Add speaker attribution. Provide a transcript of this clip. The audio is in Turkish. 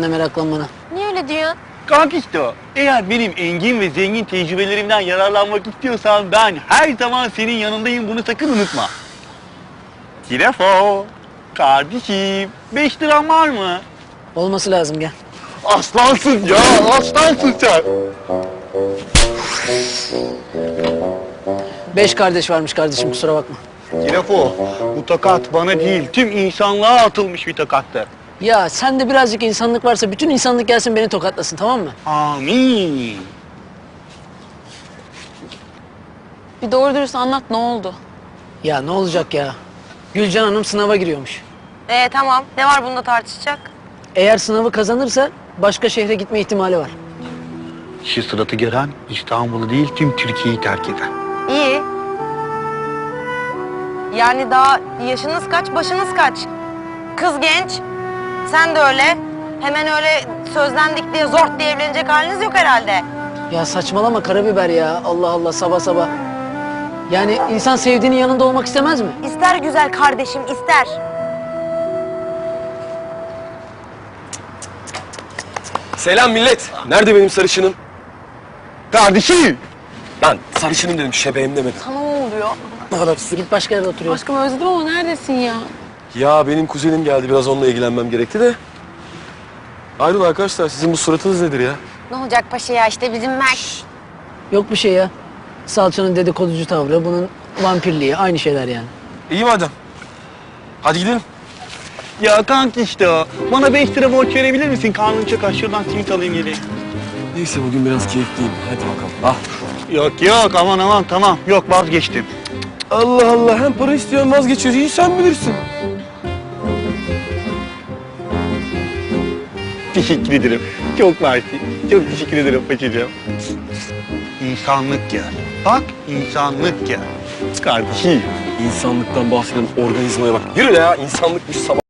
Speaker 1: ne meraklanmana.
Speaker 2: Niye öyle diyorsun?
Speaker 3: Kanka işte o. Eğer benim engin ve zengin tecrübelerimden yararlanmak istiyorsan ben her zaman senin yanındayım. Bunu sakın unutma. Kirefo, kardeşim 5 liran var mı?
Speaker 1: Olması lazım, gel.
Speaker 3: Aslansın ya, aslansın sen.
Speaker 1: 5 kardeş varmış kardeşim, kusura bakma.
Speaker 3: Kirefo, bu tokat bana değil, tüm insanlığa atılmış bir tokattır.
Speaker 1: Ya sende birazcık insanlık varsa bütün insanlık gelsin beni tokatlasın, tamam mı?
Speaker 3: Amin.
Speaker 2: Bir doğru dürüst anlat, ne oldu?
Speaker 1: Ya ne olacak ya? Gülcan Hanım sınava giriyormuş.
Speaker 2: Tamam. Ne var bunda tartışacak?
Speaker 1: Eğer sınavı kazanırsa başka şehre gitme ihtimali var.
Speaker 3: Şu suratı gören İstanbul'u değil, tüm Türkiye'yi terk eder.
Speaker 2: İyi. Yani daha yaşınız kaç, başınız kaç? Kız genç, sen de öyle. Hemen öyle sözlendik diye zort diye evlenecek haliniz yok herhalde.
Speaker 1: Ya saçmalama karabiber ya. Allah Allah, sabah sabah. Yani insan sevdiğinin yanında olmak istemez mi?
Speaker 2: İster güzel kardeşim, ister.
Speaker 4: Selam millet. Nerede benim sarışınım?
Speaker 3: Kardeşim!
Speaker 4: Lan sarışınım dedim, şebeğim demedim.
Speaker 2: Sana ne oluyor?
Speaker 1: Git başka yerde oturuyor.
Speaker 2: Aşkım özledim ama neredesin ya?
Speaker 4: Ya benim kuzenim geldi, biraz onunla ilgilenmem gerekti de. Ayrıca arkadaşlar, sizin bu suratınız nedir ya?
Speaker 2: Ne olacak paşa ya, işte bizim Mert.
Speaker 1: Yok bir şey ya. Salçanın dedikoducu tavrı, bunun vampirliği, aynı şeyler yani.
Speaker 4: İyi madem. Hadi gidelim.
Speaker 3: Ya kanka işte o. Bana 5 lira borç verebilir misin? Karnım çok aç. Şuradan simit alayım geleyim.
Speaker 4: Neyse bugün biraz keyifliyim. Hadi bakalım. Ah.
Speaker 3: Yok yok, aman aman, tamam. Yok, vazgeçtim.
Speaker 4: Allah Allah, hem para istiyorsun vazgeçiyorsun. İyi sen bilirsin.
Speaker 3: Teşekkür ederim. Çok mersi. Çok teşekkür ederim paçacığım. İnsanlık ya. Bak, insanlık ya. Kardeşim.
Speaker 4: İnsanlıktan bahseden organizmaya bak. Yürü ya, insanlıkmış sabah.